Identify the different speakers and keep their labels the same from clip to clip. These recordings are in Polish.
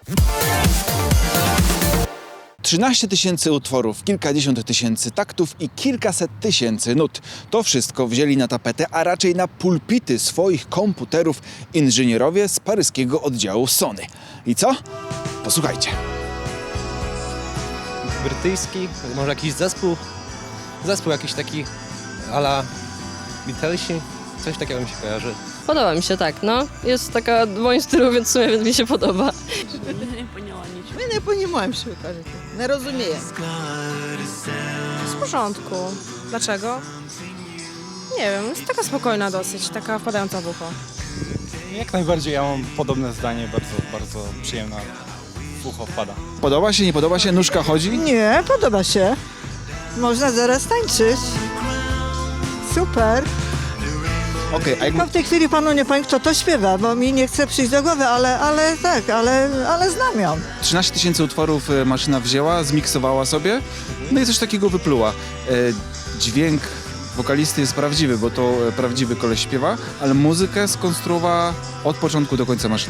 Speaker 1: 13 tysięcy utworów, kilkadziesiąt tysięcy taktów i kilkaset tysięcy nut. To wszystko wzięli na tapetę, a raczej na pulpity swoich komputerów inżynierowie z paryskiego oddziału Sony. I co? Posłuchajcie.
Speaker 2: Brytyjski, może jakiś zespół jakiś taki a la Beatlesi, coś takiego mi się kojarzy.
Speaker 3: Podoba mi się, tak, no. Jest taka w moim stylu, więc w sumie mi się podoba.
Speaker 4: Ми не розуміємо, що ви кажете. Не розуміємо.
Speaker 5: W porządku. Dlaczego? Nie wiem, jest taka spokojna dosyć, taka wpadająca w ucho.
Speaker 6: Jak najbardziej, ja mam podobne zdanie, bardzo przyjemna w ucho wpada.
Speaker 1: Podoba się, nie podoba się? Nóżka chodzi?
Speaker 4: Nie, podoba się. Można zaraz tańczyć. Super.
Speaker 1: Okej, a jak...
Speaker 4: No w tej chwili panu nie powiem, kto to śpiewa, bo mi nie chce przyjść do głowy, ale tak, ale znam ją.
Speaker 1: 13 tysięcy utworów maszyna wzięła, zmiksowała sobie, no i coś takiego wypluła. Dźwięk wokalisty jest prawdziwy, bo to prawdziwy koleś śpiewa, ale muzykę skonstruowała od początku do końca maszyna.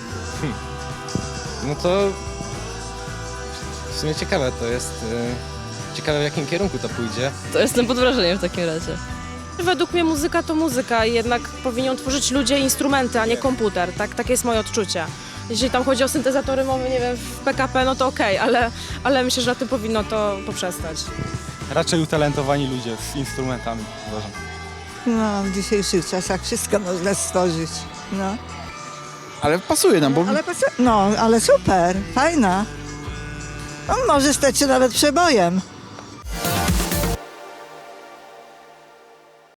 Speaker 2: No to w sumie ciekawe to jest. Ciekawe w jakim kierunku to pójdzie.
Speaker 3: To jestem pod wrażeniem w takim razie.
Speaker 5: Według mnie muzyka to muzyka i jednak powinien tworzyć ludzie instrumenty, a nie komputer. Tak, takie jest moje odczucie. Jeśli tam chodzi o syntezatory mowy, nie wiem, w PKP, no to okej, ale myślę, że na tym powinno to poprzestać.
Speaker 6: Raczej utalentowani ludzie z instrumentami, uważam.
Speaker 4: No, w dzisiejszych czasach wszystko można stworzyć. No,
Speaker 1: Ale pasuje nam, bo
Speaker 4: ale super, fajna. No, może stać się nawet przebojem.